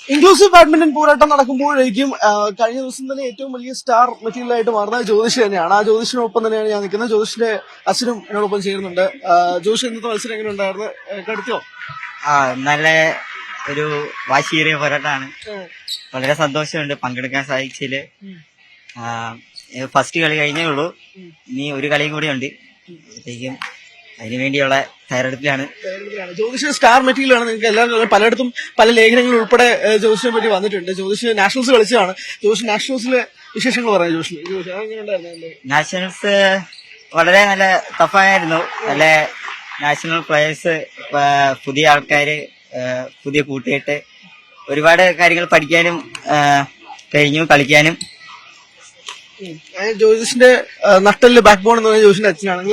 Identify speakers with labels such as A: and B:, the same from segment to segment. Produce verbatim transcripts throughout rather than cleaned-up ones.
A: Inclusive badminton പോരാട്ടം നടക്കുമ്പോഴേക്കും കഴിഞ്ഞ ദിവസം തന്നെ ഏറ്റവും വലിയ സ്റ്റാർ മെറ്റീരിയൽ ആയിട്ട് മാറുന്നത് ജ്യോതിഷ് തന്നെയാണ്. ആ ജ്യോതിഷിനൊപ്പം തന്നെയാണ് ഞാൻ നിൽക്കുന്നത്. ജ്യോതിഷിന്റെ അച്ഛനും എന്നോടൊപ്പം ചേരുന്നുണ്ട്. ജ്യോതിഷ് ഇന്നത്തെ മത്സരം എങ്ങനെ ഉണ്ടായിരുന്നു? കടുത്തോ?
B: ആ നല്ല ഒരു വാശിയേറിയ പോരാട്ടമാണ്. വളരെ സന്തോഷമുണ്ട് പങ്കെടുക്കാൻ സാധിച്ചതില്. ഫസ്റ്റ് കളി കഴിഞ്ഞേ ഉള്ളൂ, ഇനി ഒരു കളിയും കൂടി ഉണ്ട്. അപ്പോഴത്തേക്കും അതിനുവേണ്ടിയുള്ള തയ്യാറെടുപ്പിലാണ്.
A: ജ്യോതിഷ് സ്റ്റാർ മെറ്റീരിയൽ ആണ്. നിങ്ങൾക്ക് എല്ലാവരും പലയിടത്തും പല ലേഖനങ്ങൾ ഉൾപ്പെടെ ജ്യോതിഷിനെ പറ്റി വന്നിട്ടുണ്ട്. ജ്യോതിഷ് നാഷണൽസ് കളിച്ചതാണ്. ജ്യോതിഷ് നാഷണൽസിലെ വിശേഷങ്ങൾ പറയാം. ജ്യോതിഷ്
B: നാഷണൽസ് വളരെ നല്ല ടഫായിരുന്നു. നല്ല നാഷണൽ പ്ലേയേഴ്സ്, പുതിയ ആൾക്കാര്, പുതിയ കൂട്ടുകെട്ട്, ഒരുപാട് കാര്യങ്ങൾ പഠിക്കാനും കഴിഞ്ഞു, കളിക്കാനും.
A: ജ്യോതിഷിന്റെ നട്ടല് ബാക്ക് ബോൺ എന്ന് പറഞ്ഞ ജ്യോതിഷിന്റെ അച്ഛനാണ്.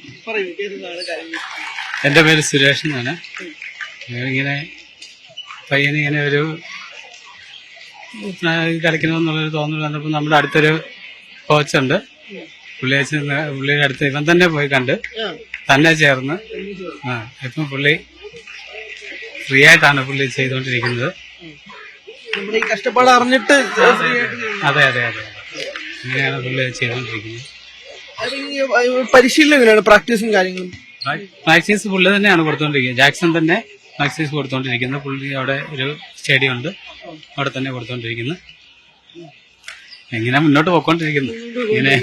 C: എന്റെ പേര് സുരേഷ് എന്നാണ്. ഇങ്ങനെ പയ്യന് ഇങ്ങനെ ഒരു കളിക്കണമെന്നുള്ളൊരു തോന്നൽ വന്നപ്പോൾ നമ്മുടെ അടുത്തൊരു കോച്ചുണ്ട്. പുള്ളി പുള്ളിയുടെ അടുത്ത് ഇവൻ തന്നെ പോയി കണ്ട് തന്നെ ചേർന്ന് ആ ഇപ്പം പുള്ളി ഫ്രീ ആയിട്ടാണ് പുള്ളി ചെയ്തുകൊണ്ടിരിക്കുന്നത്.
A: കഷ്ടപ്പാട് അറിഞ്ഞിട്ട്
C: അതെ അതെ അതെ അങ്ങനെയാണ് പുള്ളി ചെയ്തുകൊണ്ടിരിക്കുന്നത്.
A: പരിശീലനം എങ്ങനെയാണ്? പ്രാക്ടീസും കാര്യങ്ങളും
C: പ്രാക്ടീസ് പുള്ളി തന്നെയാണ് കൊടുത്തോണ്ടിരിക്കുന്നത്. ജാക്സൺ തന്നെ പ്രാക്ടീസ് കൊടുത്തോണ്ടിരിക്കുന്നത്. പുള്ളി അവിടെ ഒരു സ്റ്റേഡിയം ഉണ്ട്, അവിടെ തന്നെ കൊടുത്തോണ്ടിരിക്കുന്നു. എങ്ങനെ മുന്നോട്ട് പോയിക്കൊണ്ടിരിക്കുന്നു. ഇങ്ങനെ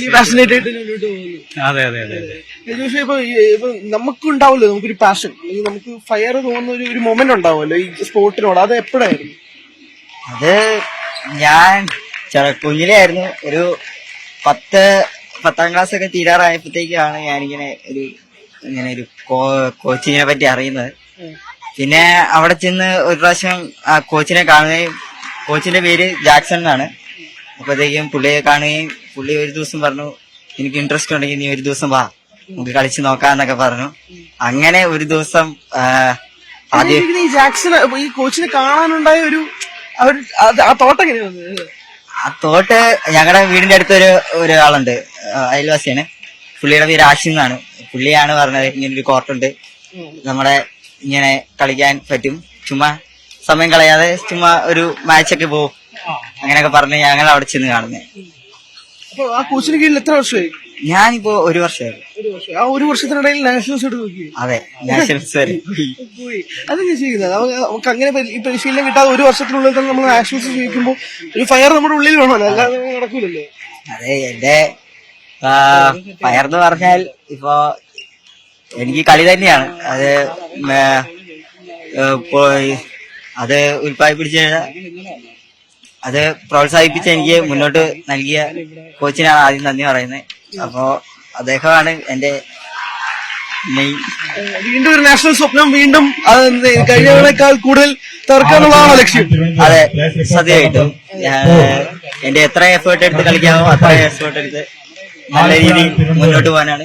C: അതെ അതെ അതെ അതെ
A: ഇപ്പൊ നമുക്കുണ്ടാവുമല്ലോ, നമുക്കൊരു പാഷൻ, നമുക്ക് ഫയർ തോന്നുന്ന ഒരു ഒരു മൊമെന്റ് ഉണ്ടാവുമല്ലോ ഈ സ്പോർട്ടിനോട്. അത് എപ്പോഴായിരുന്നു?
B: അത് ഞാൻ കുഞ്ഞിലേ ആയിരുന്നു. ഒരു പത്ത് പത്താം ക്ലാസ് ഒക്കെ തീരാറായപ്പോഴത്തേക്കാണ് ഞാനിങ്ങനെ ഒരു ഇങ്ങനെ ഒരു കോച്ചിനെ പറ്റി അറിയുന്നത്. പിന്നെ അവിടെ ചെന്ന് ഒരു പ്രാവശ്യം ആ കോച്ചിനെ കാണുകയും, കോച്ചിന്റെ പേര് ജാക്സൺ എന്നാണ്. അപ്പോഴത്തേക്കും പുള്ളിയെ കാണുകയും പുള്ളി ഒരു ദിവസം പറഞ്ഞു, എനിക്ക് ഇൻട്രസ്റ്റ് ഉണ്ടെങ്കിൽ നീ ഒരു ദിവസം വാ, നമുക്ക് കളിച്ച് നോക്കാന്നൊക്കെ പറഞ്ഞു. അങ്ങനെ ഒരു ദിവസം
A: ആദ്യം ഈ ജാക്സൺ ഈ കോച്ചിനെ കാണാനുണ്ടായ ഒരു ആ തോട്ട് എങ്ങനെയാണ്?
B: ആ തോട്ട് ഞങ്ങളുടെ വീടിന്റെ അടുത്തൊരു ഒരാളുണ്ട്, അയൽവാസിയാണ്. പുള്ളിയുടെ പേര് ആഷിം എന്നാണ്. പുള്ളിയാണ് പറഞ്ഞത് ഇങ്ങനെ ഒരു കോർട്ടുണ്ട്, നമ്മളെ ഇങ്ങനെ കളിക്കാൻ പറ്റും, ചുമ്മാ സമയം കളയാതെ ചുമ്മാ ഒരു മാച്ചൊക്കെ പോകും, അങ്ങനെയൊക്കെ പറഞ്ഞ് ഞങ്ങൾ അവിടെ ചെന്ന് കാണുന്നത്.
A: ആ കോച്ചിന് കീഴിൽ എത്ര വർഷമായി?
B: ഞാനിപ്പോ ഒരു വർഷമായിരുന്നു.
A: ആ ഒരു വർഷത്തിനിടയിൽ നാഷണൽസ് എടുത്ത് നോക്കി?
B: അതെ, നാഷണൽസ് വരെ
A: പോയി. അതെങ്ങനെ ചെയ്യുന്നത്? നമുക്ക് അങ്ങനെ ഈ പരിശീലനം കിട്ടാതെ ഒരു വർഷത്തിനുള്ളിൽ തന്നെ നമ്മൾ നാഷണൽസ് ചോദിക്കുമ്പോൾ ഒരു ഫയർ നമ്മുടെ ഉള്ളിൽ വേണമല്ലോ, അല്ലാതെ നടക്കൂലല്ലോ.
B: അതെ, എന്റെ ഫയർ എന്ന് പറഞ്ഞാൽ ഇപ്പൊ എനിക്ക് കളി തന്നെയാണ്. അത് അത് ഉൽപ്പാദിപ്പിച്ച അത് പ്രോത്സാഹിപ്പിച്ച എനിക്ക് മുന്നോട്ട് നൽകിയ കോച്ചിനാണ് ആദ്യം നന്ദി പറയുന്നത്. അപ്പോ അദ്ദേഹമാണ് എന്റെ മെയിൻ.
A: വീണ്ടും ഒരു നാഷണൽ സ്വപ്നം, വീണ്ടും കഴിഞ്ഞതിനേക്കാൾ കൂടുതൽ തീർക്കാനുള്ളതാണ് ലക്ഷ്യം.
B: അതെ, സത്യമായിട്ടും എന്റെ എത്ര എഫേർട്ട് എടുത്ത് കളിക്കാമോ അത്ര എഫേർട്ട് എടുത്ത് നല്ല രീതിയിൽ മുന്നോട്ട് പോകാനാണ്.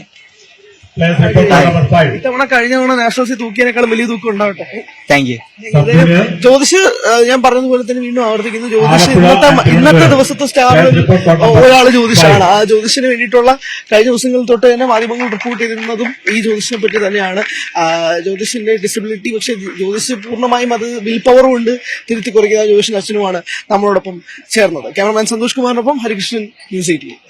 A: ഇത്തവണ കഴിഞ്ഞ തവണ നാഷണൽസിൽ തൂക്കിയതിനേക്കാളും വലിയ തൂക്കം ഉണ്ടാവട്ടെ.
B: Thank you.
A: ജ്യോതിഷ് ഞാൻ പറഞ്ഞതുപോലെ തന്നെ വീണ്ടും ആവർത്തിക്കുന്നു, ജ്യോതിഷ് ഇന്നത്തെ ഇന്നത്തെ ദിവസത്തെ സ്റ്റാറിൽ ഒരാള് ജ്യോതിഷാണ്. ആ ജ്യോതിഷിന് വേണ്ടിയിട്ടുള്ള കഴിഞ്ഞ ദിവസങ്ങളിൽ തൊട്ട് തന്നെ മാധ്യമങ്ങൾ റിപ്പോർട്ട് ചെയ്തിരുന്നതും ഈ ജ്യോതിഷിനെ പറ്റി തന്നെയാണ്. ജ്യോതിഷിന്റെ ഡിസബിലിറ്റി, പക്ഷെ ജ്യോതിഷ് പൂർണ്ണമായും അത് വിൽ പവർ കൊണ്ട് തിരുത്തി കുറയ്ക്കുന്ന ജ്യോതിഷിന്റെ അച്ഛനുമാണ് നമ്മളോടൊപ്പം ചേർന്നത്. ക്യാമറമാൻ സന്തോഷ് കുമാറിനൊപ്പം ഹരികൃഷ്ണൻ, ന്യൂസ് എയ്റ്റീൻ.